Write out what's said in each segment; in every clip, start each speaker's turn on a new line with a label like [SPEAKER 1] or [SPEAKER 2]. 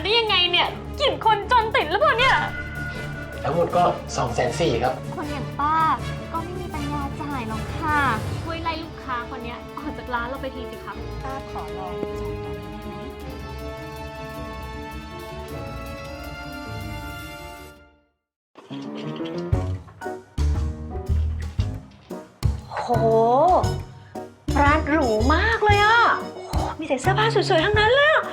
[SPEAKER 1] ได้ยังไงเนี่ยกลิ่นคนจนติดหรือเปล่าเนี่ย
[SPEAKER 2] ทั้งหมดก็240,000ครับ
[SPEAKER 1] คนอย่างป้าก็ไม่มีปัญญาจ่ายหรอกค่ะช่วยไล่ลูกค้าคนนี้ออกจากร้านเราไปทีสิคะป้าขอลอง2ตัวนี้ได้ไหม
[SPEAKER 3] โหร้านหรูมากเลยอ่ะโอ้มีแต่เสื้อผ้าสวยๆทั้งนั้นเลยอ่ะ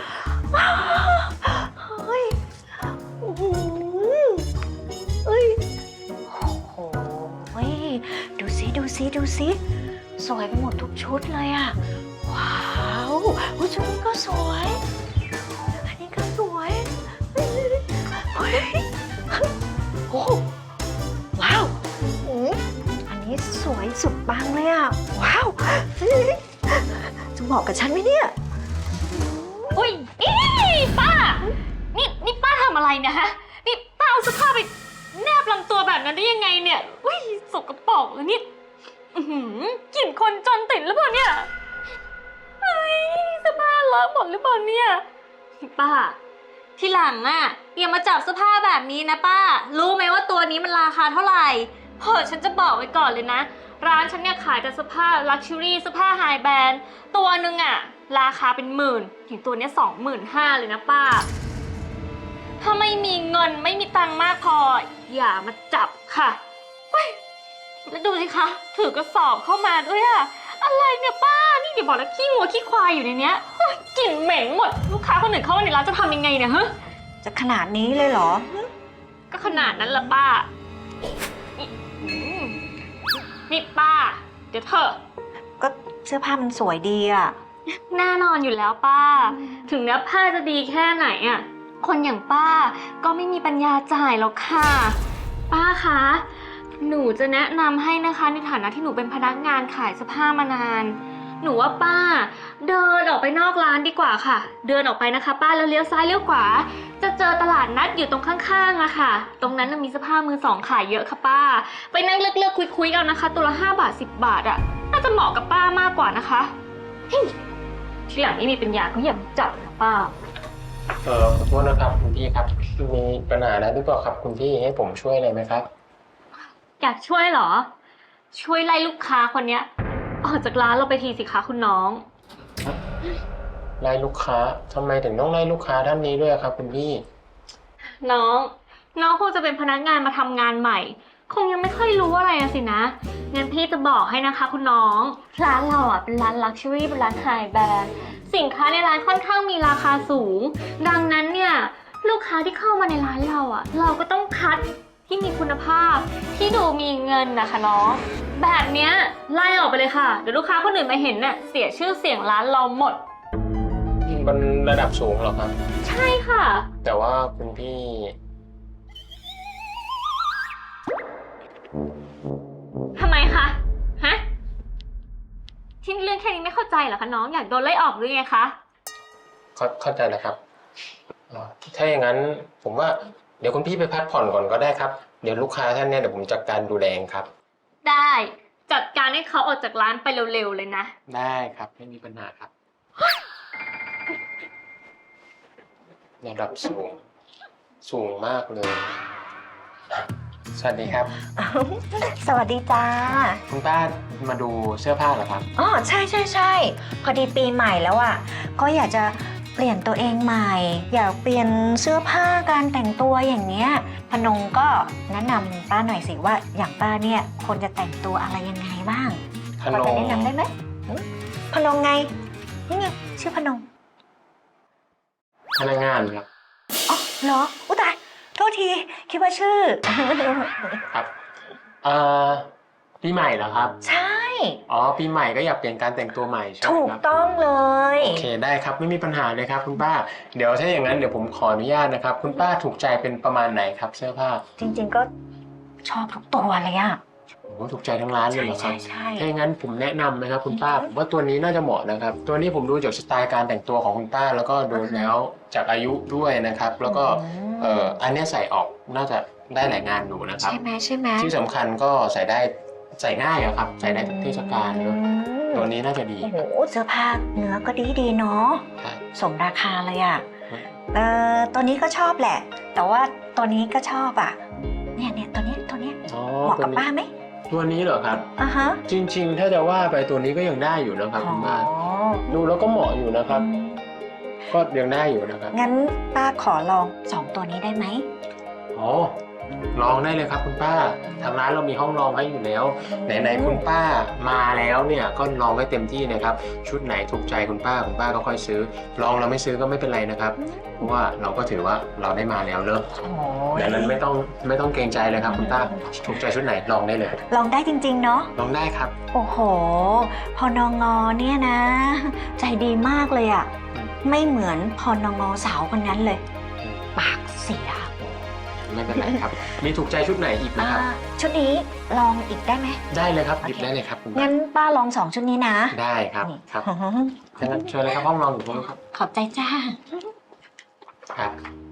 [SPEAKER 3] เฮ้ยโอ้โหเอ้ยโอ้โหดูสิสวยไปหมดทุกชุดเลยอ่ะว้าวชุดนี้ก็สวยอันนี้ก็สวยเฮ้ยโอ้ว้าวอันนี้สวยสุดปังเลยอ่ะว้าวจะเหมาะกับฉันไหมเนี่ย
[SPEAKER 1] อุ้ยป้านี่ป้าทำอะไรเนี่ยฮะนี่ป้าเอาเสื้อผ้าไปแนบลำตัวแบบนั้นได้ยังไงเนี่ยอุ้ยสกปรกเลยนี่กลิ่นคนจนติดหรือเปล่าเนี่ยเฮ้ยเสื้อผ้าเลอะหมดหรือเปล่าเนี่ยป้าทีหลังอ่ะอย่ามาจับเสื้อผ้าแบบนี้นะป้ารู้ไหมว่าตัวนี้มันราคาเท่าไหร่ฉันจะบอกไว้ก่อนเลยนะร้านฉันเนี่ยขายแต่เสื้อผ้าลักชัวรี่เสื้อผ้าไฮแบรนด์ตัวนึงอ่ะราคาเป็นหมื่นถึงตัวเนี้ย25,000เลยนะป้าถ้าไม่มีเงินไม่มีตังค์มากพออย่ามาจับค่ะแล้วดูสิคะถือกระสอบเข้ามาด้วยอะอะไรเนี่ยป้านี่เดี๋ยวบอกแล้วขี้งัวขี้ควายอยู่ในเนี้ยกลิ่นเหม็นหมดลูกค้าคนอื่นเข้ามาในร้านจะทำยังไงเนี่ยฮะ
[SPEAKER 3] จะขนาดนี้เลยเหรอ
[SPEAKER 1] ก็ขนาดนั้นละป้านี่ป้าเดี๋ยวเถอะ
[SPEAKER 3] ก็เสื้อผ้ามันสวยดีอะ
[SPEAKER 1] แน่นอนอยู่แล้วป้าถึงเนื้อผ้าจะดีแค่ไหนอะคนอย่างป้าก็ไม่มีปัญญาจ่ายหรอกค่ะป้าคะหนูจะแนะนำให้นะคะในฐานะที่หนูเป็นพนักงานขายเสื้อผ้ามานานหนูว่าป้าเดินออกไปนอกร้านดีกว่าค่ะเดินออกไปนะคะป้าแล้วเลี้ยวซ้ายเลี้ยวขวาจะเจอตลาดนัดอยู่ตรงข้างๆอะค่ะตรงนั้นมีเสื้อผ้ามือสองขายเยอะค่ะป้าไปนั่งเลือกคุยๆเอานะคะตัวละ5 บาท10 บาทอะน่าจะเหมาะกับป้ามากกว่านะคะทีหลังนี่มีปัญญาก็อย่าจับนะป้า
[SPEAKER 2] ขอโทษนะครับคุณพี่ครับมีปัญหาอะไรหรือเปล่าครับคุณพี่ให้ผมช่วยอะไรไหมครับ
[SPEAKER 1] อยากช่วยเหรอช่วยไล่ลูกค้าคนเนี้ยออกจากร้านเราไปทีสิคะคุณน้อง
[SPEAKER 2] ไล่ลูกค้าทำไมถึงต้องไล่ลูกค้าด้านนี้ด้วยครับคุณพี่
[SPEAKER 1] น้องคงจะเป็นพนักงานมาทำงานใหม่คงยังไม่ค่อยรู้อะไรสินะงั้นพี่จะบอกให้นะคะคุณน้องร้านเราอ่ะเป็นร้านลักชัวรี่เป็นร้านไฮแบรนด์สินค้าในร้านค่อนข้างมีราคาสูงดังนั้นเนี่ยลูกค้าที่เข้ามาในร้านเราอ่ะเราก็ต้องคัดที่มีคุณภาพที่ดูมีเงินนะคะน้องแบบเนี้ยไล่ออกไปเลยค่ะเดี๋ยวลูกค้าคนอื่นมาเห็นน่ะเสียชื่อเสียงร้านเราหมด
[SPEAKER 2] มันระดับสูงเหรอครับ
[SPEAKER 1] ใช่ค่ะ
[SPEAKER 2] แต่ว่าคุณพี่
[SPEAKER 1] ทำไมคะฮะที่เรื่องแค่นี้ไม่เข้าใจเหรอคะน้องอยากโดนไล่ออกหรือไงคะ
[SPEAKER 2] เข้าใจแล้วครับถ้าอย่างนั้นผมว่าเดี๋ยวคุณพี่ไปพักผ่อนก่อนก็ได้ครับเดี๋ยวลูกค้าท่านเนี่ยเดี๋ยวผมจัดการดูแลเองครับ
[SPEAKER 1] ได้จัดการให้เขาออกจากร้านไปเร็วๆเลยนะ
[SPEAKER 2] ได้ครับไม่มีปัญหาครับระดับสูงมากเลยสวัสดีครับ
[SPEAKER 3] สวัสดีจ้า
[SPEAKER 2] คุณป้ามาดูเสื้อผ้าเหรอครับ
[SPEAKER 3] อ๋อใช่พอดีปีใหม่แล้วอ่ะก็อยากจะเปลี่ยนตัวเองใหม่อยากเปลี่ยนเสื้อผ้าการแต่งตัวอย่างเงี้ยพนงก็แนะนำป้าหน่อยสิว่าอย่างป้าเนี่ยควรจะแต่งตัวอะไรยังไงบ้างพอจะแนะนำได้ไหมพนงไงนี่ไงชื่อพนง
[SPEAKER 2] พนักงานครับ
[SPEAKER 3] อ๋อเหรออุ๊ยตายโทษทีคิดว่าชื่อ
[SPEAKER 2] ครับปีใหม่เหรอครับ
[SPEAKER 3] ใช่
[SPEAKER 2] อ๋อปีใหม่ก็อยากเปลี่ยนการแต่งตัวใหม่ใช่ไหมครับ
[SPEAKER 3] ถูกต้องเลย
[SPEAKER 2] โอเคได้ครับไม่มีปัญหาเลยครับคุณป้าเดี๋ยวถ้าอย่างนั้นเดี๋ยวผมขออนุญาตนะครับคุณป้าถูกใจเป็นประมาณไหนครับเสื้อผ้า
[SPEAKER 3] จริงๆก็ชอบทุกตัวเลยอะ
[SPEAKER 2] โอ้ถูกใจทั้งร้านเลยเหรอครับ
[SPEAKER 3] ใช่
[SPEAKER 2] ถ้าอย่างนั้นผมแนะนำนะครับคุณป้าผมว่าตัวนี้น่าจะเหมาะนะครับตัวนี้ผมดูจากสไตล์การแต่งตัวของคุณป้าแล้วก็ดูแล้วจากอายุด้วยนะครับแล้วก็อันนี้ใส่ออกน่าจะได้หลายงานอยู่นะครับ
[SPEAKER 3] ใช่ไหม
[SPEAKER 2] ที่สำคัญก็ใส่ง่ายครับใส่ได้ทุกเทศกาลเนาะตัวนี้น่าจะดี
[SPEAKER 3] โอ้โหเสื้อผ้าเนื้อก็ดีเนาะสมราคาเลยอะตัวนี้ก็ชอบแหละ แต่ว่าตัวนี้ก็ชอบอ่ะ เนี่ยตัวเนี้ย
[SPEAKER 2] อ๋อ
[SPEAKER 3] เหมาะกับป้าไหม
[SPEAKER 2] ตัวนี้เหรอครับ
[SPEAKER 3] อ่ะฮะ
[SPEAKER 2] จริงๆ ถ้าจะว่าไปตัวนี้ก็ยังได้อยู่นะครับคุณป้าดูแล้วก็เหมาะอยู่นะครับ ก็ยังได้อยู่นะครับ
[SPEAKER 3] งั้นป้าขอลอง2ตัวนี้ได้ไหม
[SPEAKER 2] อ๋อลองได้เลยครับคุณป้าทางร้านเรามีห้องลองให้อยู่แล้วไหนๆคุณป้ามาแล้วเนี่ยก็ลองให้เต็มที่นะครับ ชุดไหนถูกใจคุณป้าก็ค่อยซื้อ ลองเราไม่ซื้อก็ไม่เป็นไรนะครับ เพราะว่าเราก็ถือว่าเราได้มาแล้วเนอะดังนั้นไม่ต้องเกรงใจเลยครับคุณป้าถูกใจชุดไหนลองได้เลย
[SPEAKER 3] ลองได้จริงๆเนาะ
[SPEAKER 2] ลองได้ครับ
[SPEAKER 3] โอ้โห พอนงเนี่ยนะ ใจดีมากเลยอะไม่เหมือนพอนงสาวคนนั้นเลย ปากเสีย
[SPEAKER 2] ไม่เป็นไรครับ มีถูกใจชุดไหนอีกนะครับ
[SPEAKER 3] ชุดนี้ลองอีกได้ไหม
[SPEAKER 2] ได้เลยครับหยิบได้เลยครับคุณป้า
[SPEAKER 3] งั้นป้าลอง2ชุดนี้นะ
[SPEAKER 2] ได้ครับครับงั้นเชิญเลยครับห้องลองอยู่ตรงนี้ครับ
[SPEAKER 3] ขอบใจจ้า
[SPEAKER 2] ครับ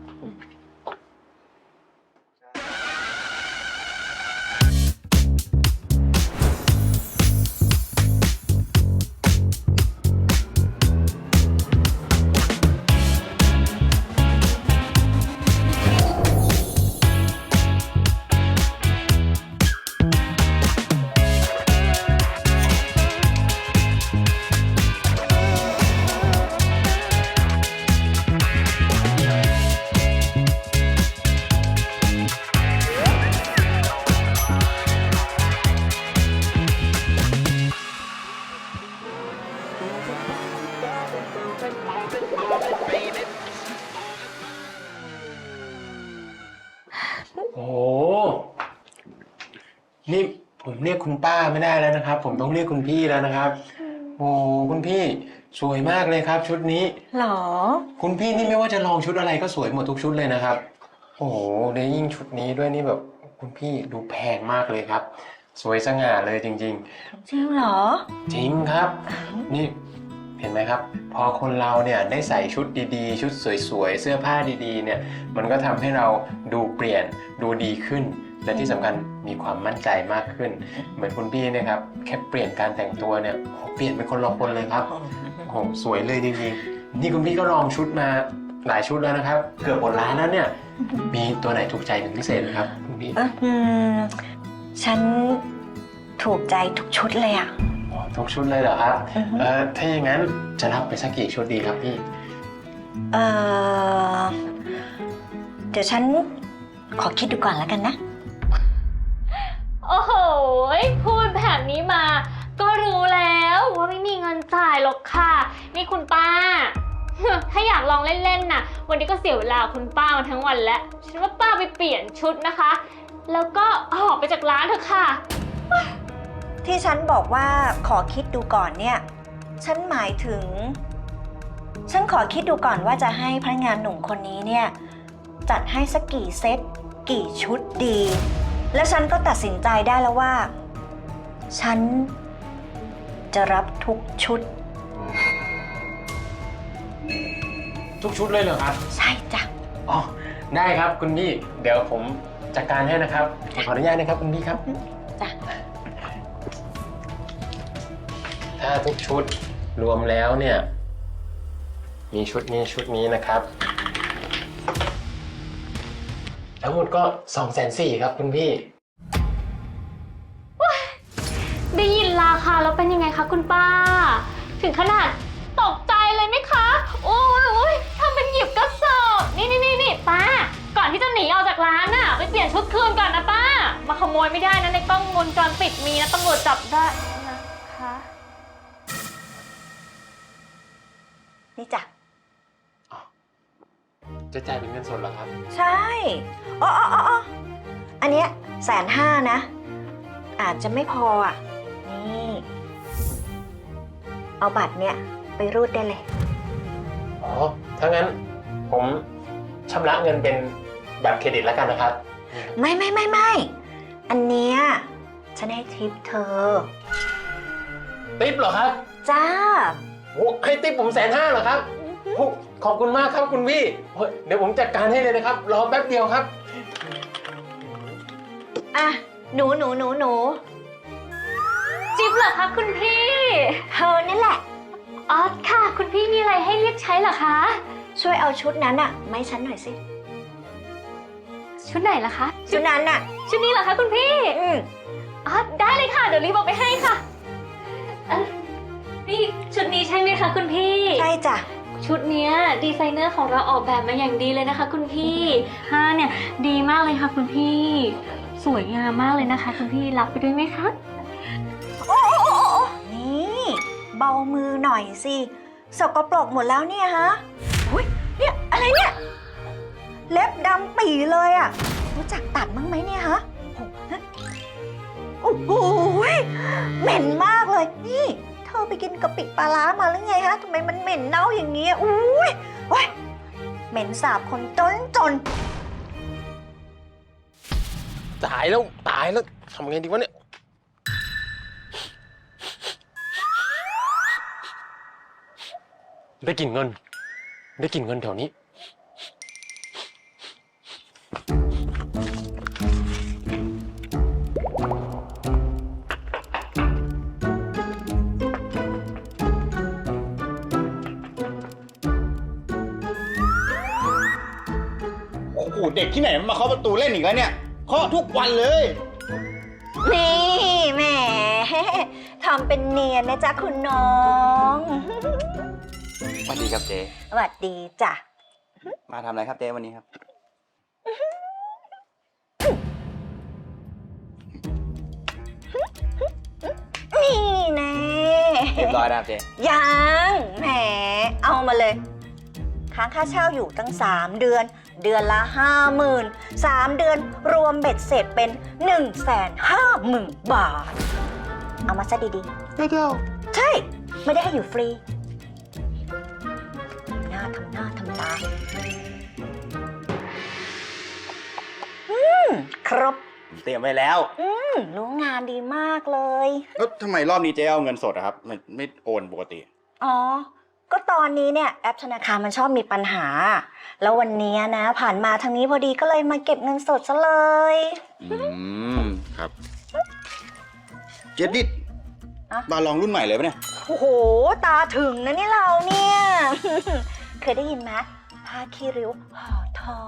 [SPEAKER 2] โอ้โหนี่ผมเรียกคุณป้าไม่ได้แล้วนะครับ ผมต้องเรียกคุณพี่แล้วนะครับ โอ้คุณพี่สวยมากเลยครับ ชุดนี้
[SPEAKER 3] หรอ
[SPEAKER 2] คุณพี่นี่ไม่ว่าจะลองชุดอะไรก็สวยหมดทุกชุดเลยนะครับ โอ้โหในยิ่งชุดนี้ด้วยนี่แบบคุณพี่ดูแพงมากเลยครับ สวยสง่าเลยจริง
[SPEAKER 3] จริงเหรอ
[SPEAKER 2] ๆ จริงครับ นี่เห็นไหมครับ พอคนเราเนี่ยได้ใส่ชุดดีๆ ชุดสวยๆเสื้อผ้าดีๆเนี่ยมันก็ทำให้เราดูเปลี่ยนดูดีขึ้น และที่สำคัญมีความมั่นใจมากขึ้น เหมือนคุณพี่เนี่ยครับแค่เปลี่ยนการแต่งตัวเนี่ยโอ้โหเปลี่ยนเป็นคนละคนเลยครับโอ้โหสวยเลยจริงๆนี่คุณพี่ก็ลองชุดมาหลายชุดแล้วนะครับ เกือบหมดร้านแล้วเนี่ยมีตัวไหนถูกใจเป็นพิเศษไหมครับคุณพี่
[SPEAKER 3] ฉันถูกใจทุกชุดเลยอ่ะ
[SPEAKER 2] อ๋อทุกชุดเลยเหรอครับถ้าอย่างนั้นจะรับไปสักกี่ชุดดีครับพี่
[SPEAKER 3] เดี๋ยวฉันขอคิดดูก่อนแล้วกันนะ
[SPEAKER 1] โอ้โหพูดแบบนี้มาก็รู้แล้วว่าไม่มีเงินจ่ายหรอกค่ะนี่คุณป้า ถ้าอยากลองเล่นๆน่ะวันนี้ก็เสียเวลาคุณป้ามาทั้งวันแล้วฉันว่าป้าไปเปลี่ยนชุดนะคะ แล้วก็ออกไปจากร้านเถอะค่ะ
[SPEAKER 3] ที่ฉันบอกว่าขอคิดดูก่อนเนี่ย ฉันหมายถึง ฉันขอคิดดูก่อนว่าจะให้พนักงานหนุ่มคนนี้เนี่ยจัดให้สักกี่เซตกี่ชุดดี และฉันก็ตัดสินใจได้แล้วว่า ฉันจะรับทุกชุด
[SPEAKER 2] ทุกชุดเลยเหรอครับ
[SPEAKER 3] ใช่จ้ะ
[SPEAKER 2] อ๋อได้ครับคุณพี่เดี๋ยวผมจัดการให้นะครับขออนุญาตนะครับคุณพี่ครับ
[SPEAKER 3] จ้ะ
[SPEAKER 2] ถ้าทุกชุดรวมแล้วเนี่ยมีชุดนี้นะครับทั้งหมดก็ 240,000ครับคุณพี่
[SPEAKER 1] ได้ยินราคาแล้วเป็นยังไงคะคุณป้า ถึงขนาดตกใจเลยไหมคะโอ้ยทำเป็นหยิบกระสอบนี่ป้าก่อนที่จะหนีออกจากร้านน่ะไปเปลี่ยนชุดคืนก่อนนะป้ามาขโมยไม่ได้นะในกล้องวงจรปิดมีนะตำรวจจับได้นะคะ
[SPEAKER 3] นี่จ้ะ
[SPEAKER 2] จะจ่ายเป็นเงินสดเหรอครับ
[SPEAKER 3] ใช่อ๋ออันเนี้ย150,000นะ อาจจะไม่พออ่ะ นี่ เอาบัตรเนี่ยไปรูดได้เลย
[SPEAKER 2] อ๋อถ้างั้นผมชำระเงินเป็นบัตรเครดิตแล้วกันนะครับ
[SPEAKER 3] ไม่ อันเนี้ยฉันให้ทิปเธอ
[SPEAKER 2] ติ๊บเหรอครับ
[SPEAKER 3] จ้า
[SPEAKER 2] โอ้ให้ติ๊บผม150,000เหรอครับโอ้ขอบคุณมากครับคุณพี่โอ้ยเดี๋ยวผมจัดการให้เลยนะครับรอแป๊บเดียวครับ
[SPEAKER 3] อ่ะ หนู
[SPEAKER 1] จิ๊บเหรอคะคุณพี่
[SPEAKER 3] เธอนี่แหละ
[SPEAKER 1] อ๋อค่ะ คุณพี่มีอะไรให้เรียกใช้เหรอคะ
[SPEAKER 3] ช่วยเอาชุดนั้นอะมาให้ฉันหน่อยสิ
[SPEAKER 1] ชุดไหนล่ะคะ
[SPEAKER 3] ชุดนั้นอะ
[SPEAKER 1] ชุดนี้เหรอคะคุณพี่ อ๋อได้เลยค่ะ เดี๋ยวรีบเอาไปให้ค่ะนี่ชุดนี้ใช่ไหมคะคุณพี่
[SPEAKER 3] ใช่จ้ะ
[SPEAKER 1] ชุดเนี้ยดีไซเนอร์ของเราออกแบบมาอย่างดีเลยนะคะ คุณพี่ผ้าเนี่ยดีมากเลยค่ะคุณพี่ สวยงามมากเลยนะคะ คุณพี่รับไปด้วยไหมคะ
[SPEAKER 3] นี่เบามือหน่อยสิสกปรกหมดแล้วเนี่ยฮะอุ้ยเนี่ยอะไรเนี่ย เล็บดำปี่เลยอะรู้จักตัดมั้งไหมเนี่ยฮะโอ้โหเหม็นมากเลย นี่เธอไปกินกะปิปลาร้ามาหรือไงฮะทำไมมันเหม็นเน่าอย่างนี้อุ้ยโอ้ยเหม็นสาบคนจน
[SPEAKER 2] ตายแล้วทำไงดีวะเนี่ยได้กลิ่นเงินแถวนี้
[SPEAKER 4] โอ้โหเด็กที่ไหนมันมาเคาะประตูเล่นอีกแล้วเนี่ยเคาะทุกวันเลย
[SPEAKER 3] นี่แหมทำเป็นเนียนนะจ๊ะคุณน้อง
[SPEAKER 4] สวัสดีครับเจ๊
[SPEAKER 3] สวัสดีจ้ะ
[SPEAKER 4] มาทำอะไรครับเจ๊วันนี้ครับ
[SPEAKER 3] นี่แน่
[SPEAKER 4] เรียบร้อยนะครับเจ๊
[SPEAKER 3] ยังแหมเอามาเลย ค้างค่าเช่าอยู่ตั้ง3 เดือน เดือนละ 50,000 3 เดือนรวมเบ็ดเสร็จเป็น 150,000 บาท เอามาซะดีๆไม่เดียวใช่ ไม่ได้ให้อยู่ฟรีทำหน้าทำตาครบ
[SPEAKER 4] เตรียมไว้แล้ว
[SPEAKER 3] รู้งานดีมากเลย
[SPEAKER 4] แล้วทำไมรอบนี้เจ๊เอาเงินสดอะครับไม่โอนปกติ
[SPEAKER 3] อ๋อ ก็ตอนนี้เนี่ยแอปธนาคารมันชอบมีปัญหา แล้ววันนี้นะผ่านมาทางนี้พอดีก็เลยมาเก็บเงินสดซะเลย
[SPEAKER 4] ครับ เจ๊ดิด
[SPEAKER 3] อะ
[SPEAKER 4] บาลองรุ่นใหม่เลยปะเนี่ย
[SPEAKER 3] โอ้โห ตาถึงนะนี่เราเนี่ย เคยได้ยินไหมผ้าคีริ้วห่อทอง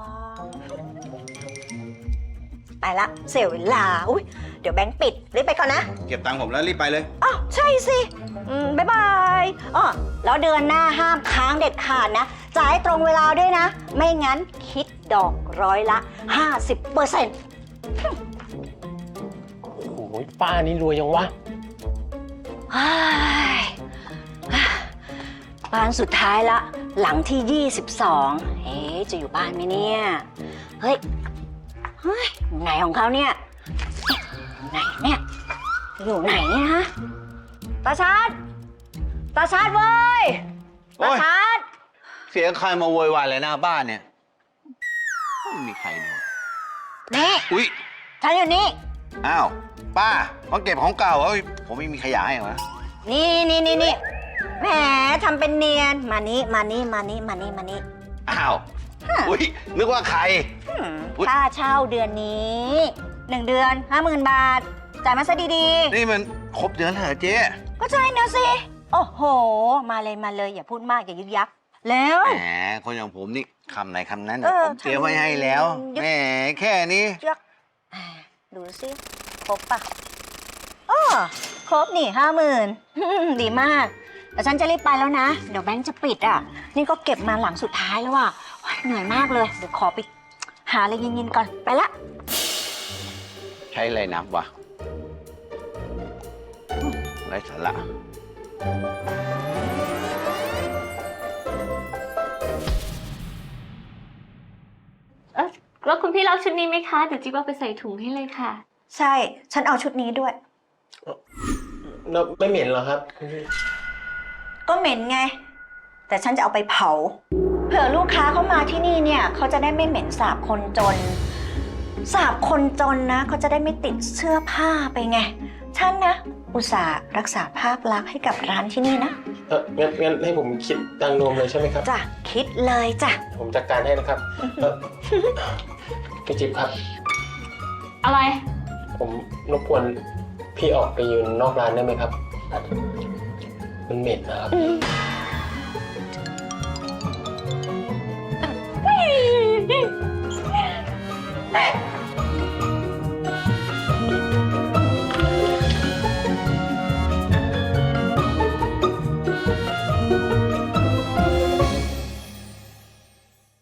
[SPEAKER 3] ไปละเสียเวลา อุ๊ย เดี๋ยวแบงค์ปิดรีบไปก่อนนะ
[SPEAKER 4] เก็บตังค์ผมแล้วรีบไปเลย
[SPEAKER 3] อ้าวใช่สิบ๊ายบายอ๋อแล้วเดือนหน้าห้ามค้างเด็ดขาดนะ จ่ายตรงเวลาด้วยนะ ไม่งั้นคิดดอก50%
[SPEAKER 2] โอ้โหป้านี่รวยยังวะ
[SPEAKER 3] บ้านสุดท้ายละ หลังที่ 22จะอยู่บ้านไหมเนี่ย เฮ้ยอยู่ไหนของเขาเนี่ยอยู่ไหนเนี่ยฮะตาชาดเว้ย
[SPEAKER 4] โอ้
[SPEAKER 3] ตาย ชาด
[SPEAKER 4] เสียงใครมาโวยวายเลยหน้าบ้านเนี่ยไม่มีใครเนี่ย
[SPEAKER 3] นี่
[SPEAKER 4] อุ๊ย
[SPEAKER 3] ฉันอยู่นี่
[SPEAKER 4] อ้าวป้ามาเก็บของเก่าเฮ้ยผมไม่มีขยะให้เหรอ
[SPEAKER 3] นี่แหมทำเป็นเนียนมานี่
[SPEAKER 4] อ้าวอุ๊ยนึกว่าใคร อุ๊ย
[SPEAKER 3] ค่าเช่าเดือนนี้1 เดือน 50,000 บาท จ่ายมาซะดี
[SPEAKER 4] นี่มันครบเดือนแล้วเหรอเจ๊
[SPEAKER 3] ๆ ก็ใช่นะสิ โอ้โห มาเลยอย่าพูดมากอย่ายึกยักแล้ว
[SPEAKER 4] แหมคนอย่างผมนี่คำไหนคำนั้น
[SPEAKER 3] เออ
[SPEAKER 4] ผมเตรียมไว้ให้แล้ว
[SPEAKER 3] ยึด
[SPEAKER 4] แหมแค่นี้
[SPEAKER 3] ยักดูสิครบปะอ้อครบนี่ 50,000 ดีมาก แต่ฉันจะรีบไปแล้วนะ เดี๋ยวแบงค์จะปิดอ่ะ นี่ก็เก็บมาหลังสุดท้ายแล้วอ่ะโอ๊ยเหนื่อยมากเลย เดี๋ยวขอไปหาอะไรเย็นๆก่อน ไปละ
[SPEAKER 4] ใช้อะไรนับวะไร้สาระ
[SPEAKER 1] แล้วคุณพี่รับชุดนี้ไหมคะ เดี๋ยวจิ๊บเอาไปใส่ถุงให้เลยค่ะ
[SPEAKER 3] ใช่ ฉันเอาชุดนี้ด้วย
[SPEAKER 2] แล้วไม่เหม็นเหรอครับคุณพี่
[SPEAKER 3] ก็เหม็นไง แต่ฉันจะเอาไปเผา เผื่อลูกค้าเขามาที่นี่เนี่ย เขาจะได้ไม่เหม็นสาบคนจน สาบคนจนนะเขาจะได้ไม่ติดเสื้อผ้าไปไง ฉันนะ อุตส่าห์รักษาภาพลักษณ์ให้กับร้านที่นี่นะ
[SPEAKER 2] งั้นให้ผมคิดตังค์รวมเลยใช่ไหมครับ
[SPEAKER 3] จ้ะ คิดเลยจ้ะ
[SPEAKER 2] ผมจัดการให้นะครับพี่จิ๊บครับ
[SPEAKER 1] อะไร
[SPEAKER 2] ผมรบกวนพี่ออกไปยืนนอกร้านได้ไหมครับ มันเหม็นนะครับ
[SPEAKER 3] อืม